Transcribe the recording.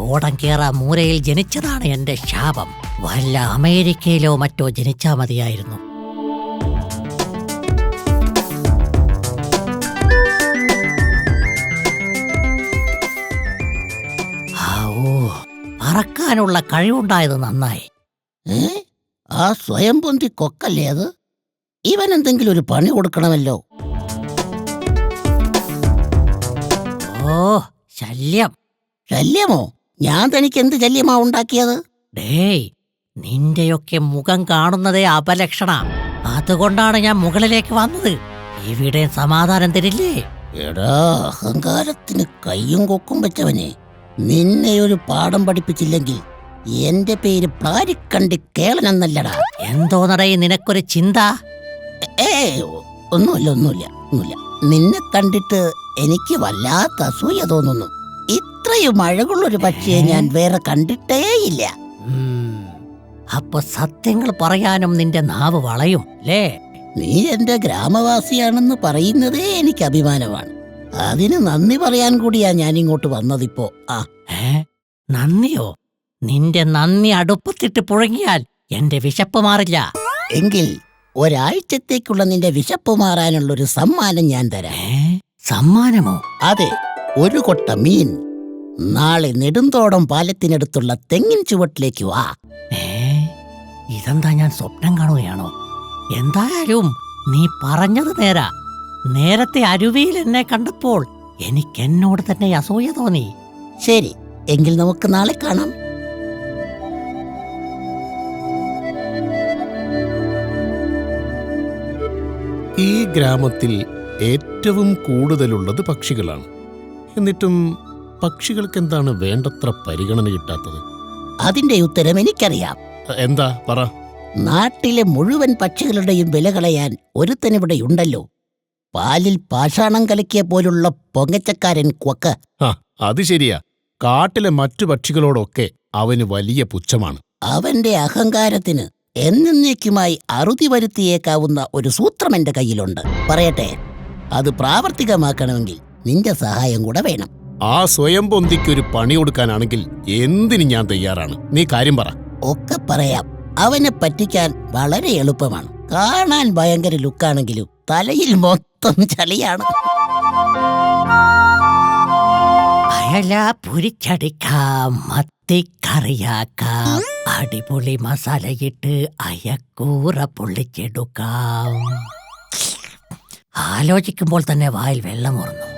ഓടംകേറ മൂലയിൽ ജനിച്ചതാണ് എന്റെ ശാപം. വല്ല അമേരിക്കയിലോ മറ്റോ ജനിച്ചാ മതിയായിരുന്നു. പറക്കാനുള്ള കഴിവുണ്ടായത് നന്നായി. ആ സ്വയം പൊന്തി കൊക്കല്ലേ അത്? ഇവൻ എന്തെങ്കിലും ഒരു പണി കൊടുക്കണമല്ലോ. ഓ, ശല്യം. ശല്യമോ? ഞാൻ തനിക്ക് എന്ത് ശല്യമാ ഉണ്ടാക്കിയത്? ഡേയ്, നിന്റെയൊക്കെ മുഖം കാണുന്നതേ അപലക്ഷണ. അതുകൊണ്ടാണ് ഞാൻ മുകളിലേക്ക് വന്നത്. ഇവിടെ സമാധാനം തരില്ലേ? എടാ അഹങ്കാരത്തിന് കയ്യും കൊക്കും വെച്ചവനെ, നിന്നെ ഒരു പാഠം പഠിപ്പിച്ചില്ലെങ്കിൽ എന്റെ പേര് പ്ലാരിക്കണ്ടി കേളനെന്നല്ലടാ. എന്തോന്നടേ നിനക്കൊരു ചിന്ത? ഒന്നുമില്ല. നിന്നെ കണ്ടിട്ട് എനിക്ക് വല്ലാത്ത അസൂയ തോന്നുന്നു. ഇത്രയും അഴകുള്ളൊരു പക്ഷിയെ ഞാൻ വേറെ കണ്ടിട്ടേയില്ല. അപ്പൊ സത്യങ്ങൾ പറയാനും നിന്റെ നാവ് വളയും അല്ലേ? നീ എന്റെ ഗ്രാമവാസിയാണെന്ന് പറയുന്നതേ എനിക്ക് അഭിമാനമാണ്. അതിന് നന്ദി പറയാൻ കൂടിയാ ഞാൻ ഇങ്ങോട്ട് വന്നതിപ്പോ. നന്ദിയോ? നിന്റെ നന്ദി അടുപ്പത്തിട്ട് പുഴങ്ങിയാൽ എന്റെ വിശപ്പ് മാറില്ല. എങ്കിൽ ഒരാഴ്ചത്തേക്കുള്ള നിന്റെ വിശപ്പ് മാറാനുള്ളൊരു സമ്മാനം ഞാൻ തരാം. സമ്മാനമോ? അതെ, ഒരു കൊട്ട മീൻ. നാളെ നെടുന്തോടം പാലത്തിനടുത്തുള്ള തെങ്ങിൻ ചുവട്ടിലേക്ക് വാ. ഇതെന്താ, ഞാൻ സ്വപ്നം കാണുകയാണോ? എന്തായാലും നീ പറഞ്ഞത് നേരാ. നേരത്തെ അരുവിയിൽ എന്നെ കണ്ടപ്പോൾ എനിക്കെന്നോട് തന്നെ അസൂയ തോന്നി. ശരി, എങ്കിൽ നമുക്ക് നാളെ കാണാം. ഈ ഗ്രാമത്തിൽ ഏറ്റവും കൂടുതലുള്ളത് പക്ഷികളാണ്. എന്നിട്ടും പക്ഷികൾക്ക് എന്താണ് വേണ്ടത്ര പരിഗണന കിട്ടാത്തത്? അതിന്റെ ഉത്തരം എനിക്കറിയാം. എന്താ പറ. നാട്ടിലെ മുഴുവൻ പക്ഷികളുടെയും വില കളയാൻ ഒരുത്തനിവിടെയുണ്ടല്ലോ. പാലിൽ പാഷാണം കലക്കിയ പോലുള്ള പൊങ്ങച്ചക്കാരൻ കൊക്ക്. അത് ശരിയാ. കാട്ടിലെ മറ്റു പക്ഷികളോടൊക്കെ അവന് വലിയ പുച്ഛമാണ്. അവന്റെ അഹങ്കാരത്തിന് എന്നേക്കുമായി അറുതി വരുത്തിയേക്കാവുന്ന ഒരു സൂത്രം എന്റെ കയ്യിലുണ്ട്. പറയട്ടെ? അത് പ്രാവർത്തികമാക്കണമെങ്കിൽ നിന്റെ സഹായം കൂടെ വേണം. ആ സ്വയം പൊന്തിക്കൊരു പണി കൊടുക്കാനാണെങ്കിൽ എന്തിന് ഞാൻ തയ്യാറാണ്. നീ കാര്യം പറ. ഒക്കെ പറയാം. അവനെ പറ്റിക്കാൻ വളരെ എളുപ്പമാണ്. കാണാൻ ഭയങ്കര ലുക്കാണെങ്കിലും തലയിൽ മൊത്തം ചളിയാണ്. അയല പൊരിച്ചടിക്കാം, മത്തിക്കറിയാക്കാം, അടിപൊളി മസാലയിട്ട് അയക്കൂറ പൊള്ളിച്ചെടുക്കാം. ആലോചിക്കുമ്പോൾ തന്നെ വായിൽ വെള്ളമൂറുന്നു.